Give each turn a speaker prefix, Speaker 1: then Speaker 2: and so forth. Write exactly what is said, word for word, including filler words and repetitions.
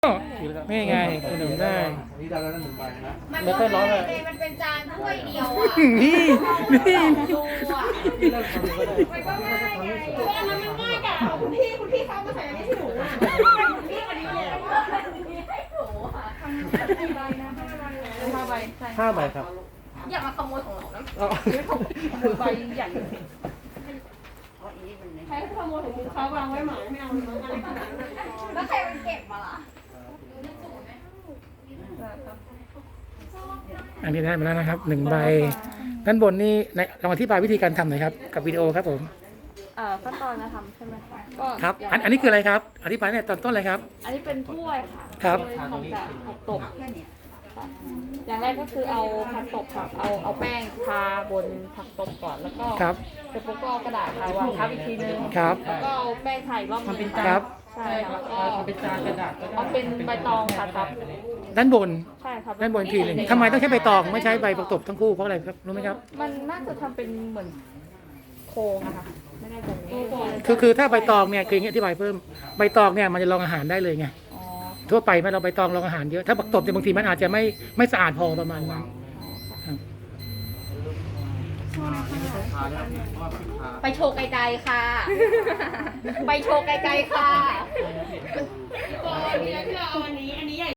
Speaker 1: นี่ไงขนมได้
Speaker 2: นี่ได้แล้วหนึ่งใบนะ
Speaker 3: มัน
Speaker 1: แล้วก็
Speaker 3: ก็
Speaker 1: ร้อนเลย
Speaker 3: มันเป็นจานถ้วยเดียวอ่ะ
Speaker 1: นี่นี่
Speaker 3: ดูอ่ะ
Speaker 2: ที่เริ่มทำก็ได้
Speaker 3: มันก็ง่ายไงเพราะอันนั้นมันง่ายกับเอาคุณพี่คุณพี่เขามาใส่อันนี้ให้หนูอ่ะคุณพี่วันนี้เลยให้หนูอ่ะทำกี่ใบนะห้าใบใช่
Speaker 2: ห้าใบครับ
Speaker 3: อย่ามาขโมยของเรานะ
Speaker 2: เอา
Speaker 3: ขโมยใบใหญ่ใครขโมยของเขาวางไว้หมาไม่เอาอะไรขนาดนั้นแล้วใครมันเก็บมาล่ะ
Speaker 1: อันนี้ได้มาแล้วนะครับหนึ่งใบด้านบนนี่ในลองอธิบายวิธีการทำหน่อยครับกับวิดีโอครับผม
Speaker 4: เอ่อขั้นตอนการทำใช่ไหมคะก็
Speaker 1: ครับอันอันนี้คืออะไรครับอธิบายเนี่ยตอนต้นเลยครับ
Speaker 4: อันนี้เป็นถ้วยค่ะ
Speaker 1: ครับ
Speaker 4: ทำจากผักตบอย่างแรกก็คือเอาผักตบค่ะเอาเอาแป้งทาบนผักตบก่อนแล้วก็
Speaker 1: ครับ
Speaker 4: เสร็จปุ๊บก็เอากระดาษทาวางทับอีกทีนึง
Speaker 1: ครับ
Speaker 4: แล้วก็เอาแป้งทาอีกรอบนึง
Speaker 1: ครับ
Speaker 4: ใช่ค่ะแล้วก็เป็นจานกระดาษเอาเป็นใบตองค่ะทับ
Speaker 1: ด้านบน
Speaker 4: ใช่ครับ
Speaker 1: ด้านบนอีกทีหนึ่งทำไมต้องใช้ใบตองไม่ใช้ใบประกบทั้งคู่เพราะอะไรครับรู้ไหมครับ
Speaker 4: มันน่าจะทำเป็นเหมือนโครงอะค่ะไม่ได้ตรงนี้
Speaker 1: คือคือถ้าใบตองเนี่ยคืออย่างนี้อธิบายเพิ่มใบตองเนี่ยมันจะรองอาหารได้เลยไง
Speaker 4: อ๋อ
Speaker 1: ทั่วไปไหมเราใบตองรองอาหารเยอะถ้าประกบเนี่ยบางทีมันอาจจะไม่ไม่สะอาดพอประมาณนั้นครับ
Speaker 3: ไปโชว์ไกลๆค่ะ ไปโชว์ไกลๆค่ะอันนี้ที่เราเอาอันนี้ อันนี้ใหญ่